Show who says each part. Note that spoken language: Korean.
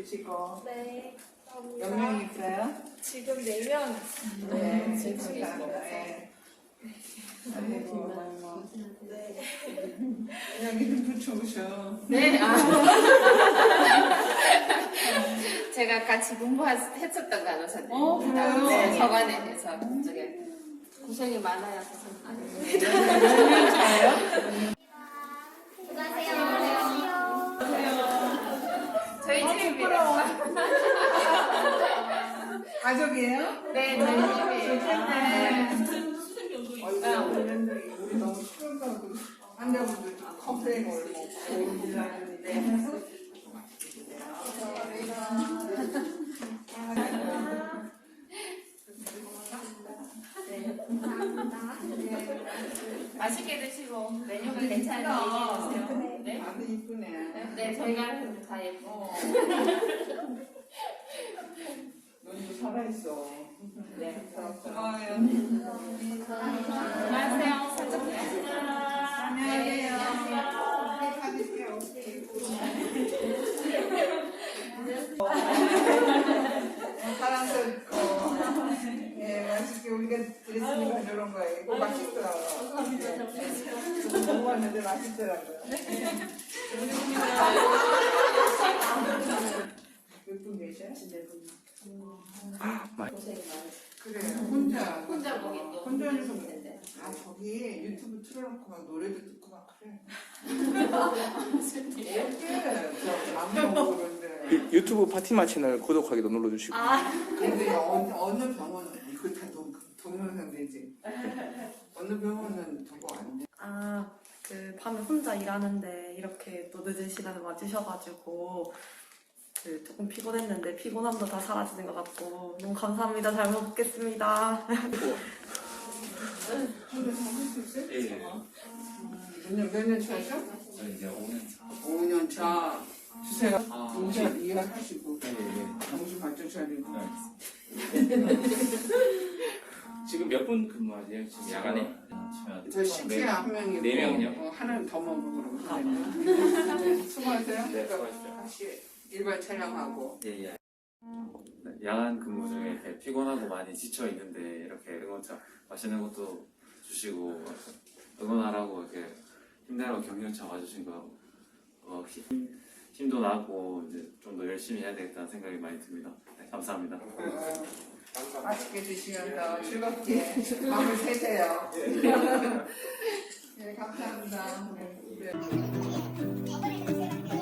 Speaker 1: 드시고.
Speaker 2: 네.
Speaker 1: 몇 명이세요?
Speaker 2: 지금 4명.
Speaker 1: 네,
Speaker 2: 지금
Speaker 1: 감사합니다. 네. 아이고,
Speaker 2: 네.
Speaker 1: 그냥 이름도 좋으셔.
Speaker 3: 네. 제가 같이 공부했었던 간호사님.
Speaker 1: 그래요?
Speaker 3: 네, 서관에 대해서 저게 고생이 많아요, 선생님.
Speaker 1: 자요?
Speaker 3: 저희 집입니다.
Speaker 1: 가족이에요?
Speaker 3: 네, 저희 집이에요.
Speaker 1: 우리 너무 싫어서 환자분들 컴플레인을 먹고 일하는데.
Speaker 3: 맛있게 드시고 메뉴가 괜찮은지 얘기해주세요. 네.
Speaker 1: 아주 이쁘네.
Speaker 3: 네, 저희가 다 예뻐.
Speaker 1: 눈도 살아있어.
Speaker 3: 네.
Speaker 1: 고마워요.
Speaker 3: 안녕하세요.
Speaker 1: 안녕하세요. 가실게요. 사랑스럽고. 예, 맛있게 우리가 드렸으니까 이런 거예요. 이거 맛있더라고요. 감사합니다. 먹어봤는데 맛있더라고요. 몇 분 계셔요?
Speaker 3: 고생이 많으세요.
Speaker 1: 그래, 혼자.
Speaker 3: 혼자 보기 또
Speaker 1: 혼자서
Speaker 3: 힘든데.
Speaker 1: 아, 저기 유튜브 틀어놓고 막 노래도 듣고 막 그래. 안 먹고 그런데.
Speaker 4: 유튜브 파티마 채널 구독하기도 눌러주시고.
Speaker 1: 근데 어느 병원은 이거 다 동영상 되지. 어느 병원은 저거 안 돼.
Speaker 5: 그 밤에 혼자 일하는데 이렇게 또 늦은 시간에 와주셔가지고 조금 피곤했는데 피곤함도 다 사라지는 것 같고 너무 감사합니다. 잘 먹겠습니다.
Speaker 1: 근데 먹을 수 있어요?
Speaker 4: 예.
Speaker 1: 몇 년 차죠?
Speaker 4: 저 이제 5년 차.
Speaker 1: 5년 차. 주세요. 문자
Speaker 4: 네.
Speaker 1: 이해하시고.
Speaker 4: 네.
Speaker 1: 정신 바짝 차리고.
Speaker 4: 지금 몇 분 근무하세요? 지금 야간에?
Speaker 1: 저 CT야 한 명이고.
Speaker 4: 네 명이요?
Speaker 1: 하나는 더 먹으러 가면. 수고하세요.
Speaker 4: 네, 수고하십시오.
Speaker 1: 다시 일반 촬영하고.
Speaker 6: 예, 예. 야간 근무 중에 이렇게 피곤하고 많이 지쳐 있는데 이렇게 응원차 맛있는 것도 주시고 응원하라고 이렇게 힘내라고 격려차 와주신 거 힘도 나고 이제 좀 더 열심히 해야 되겠다는 생각이 많이 듭니다. 네, 감사합니다.
Speaker 1: 맛있게 드시면서 즐겁게 밤을 새세요. 네, 감사합니다. 네.